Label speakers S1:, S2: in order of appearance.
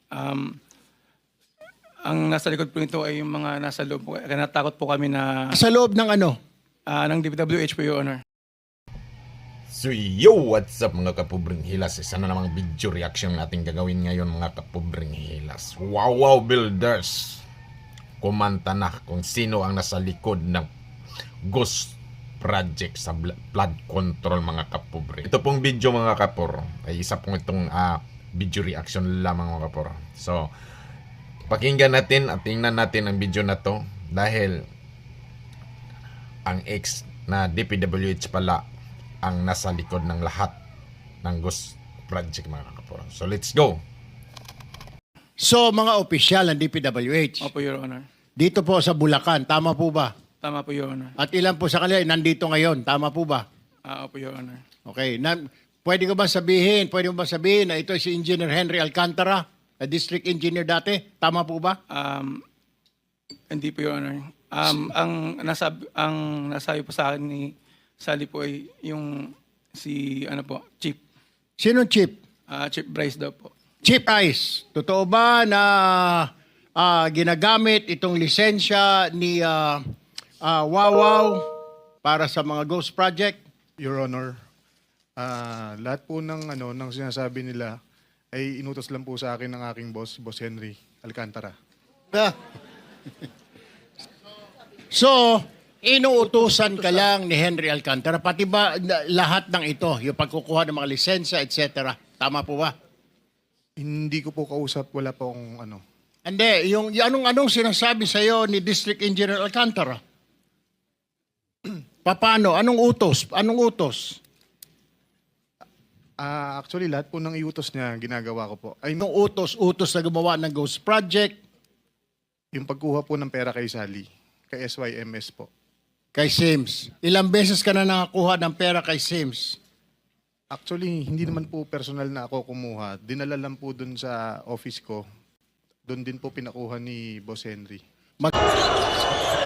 S1: Um, ang nasa likod po nito ay yung mga nasa loob po. Kaya natakot po kami na
S2: Sa loob ng ano?
S1: ng DPWH po, Your Honor.
S3: So yo, what's up mga kapubring hilas? Isa na namang video reaction natin gagawin ngayon mga kapubring hilas. Wow builders! Kumanta na kung sino ang nasa likod ng ghost project sa flood control mga kapubring. Ito pong video mga kapor ay isa pong itong video reaction lamang mga kapor. So, pakinggan natin at tingnan natin ang video na to dahil ang ex na DPWH pala ang nasa likod ng lahat ng ghost project mga kapor. So let's go!
S2: So, mga opisyal ng DPWH.
S1: Opo, Your Honor.
S2: Dito po sa Bulacan, tama po ba?
S1: Tama po, Your Honor.
S2: At ilan po sa kanila nandito ngayon, tama po ba?
S1: Opo, Your Honor.
S2: Okay. Pwede mo ba sabihin na ito si Engineer Henry Alcantara, na district engineer dati? Tama po ba?
S1: Hindi po, Your Honor. Ang nasabi po sa akin ni Sally po ay yung si Chief.
S2: Sino Chief?
S1: Chief Bryce daw po.
S2: Chief Ice. Totoo ba na ginagamit itong lisensya ni Wawaw para sa mga ghost project?
S4: Your Honor, lahat po ng sinasabi nila ay inutos lang po sa akin ng aking boss, Boss Henry Alcantara.
S2: So, inuutusan ka lang ni Henry Alcantara, pati ba lahat ng ito, yung pagkukuha ng mga lisensya, etc. Tama po ba?
S4: Hindi ko po kausap, wala po akong
S2: Hindi, yung anong sinasabi sa iyo ni District Engineer Alcantara? Paano? Anong utos?
S4: Actually, lahat po ng iutos niya, ginagawa ko po. Ay,
S2: Anong utos na gumawa ng ghost project
S4: yung pagkuha po ng pera kay Sally, kay SYMS po.
S2: kay Sims? Ilang beses ka na nakakuha ng pera kay Sims?
S4: Actually, hindi naman po personal na ako kumuha. Dinala lang po dun sa office ko. Doon din po pinakuha ni Boss Henry.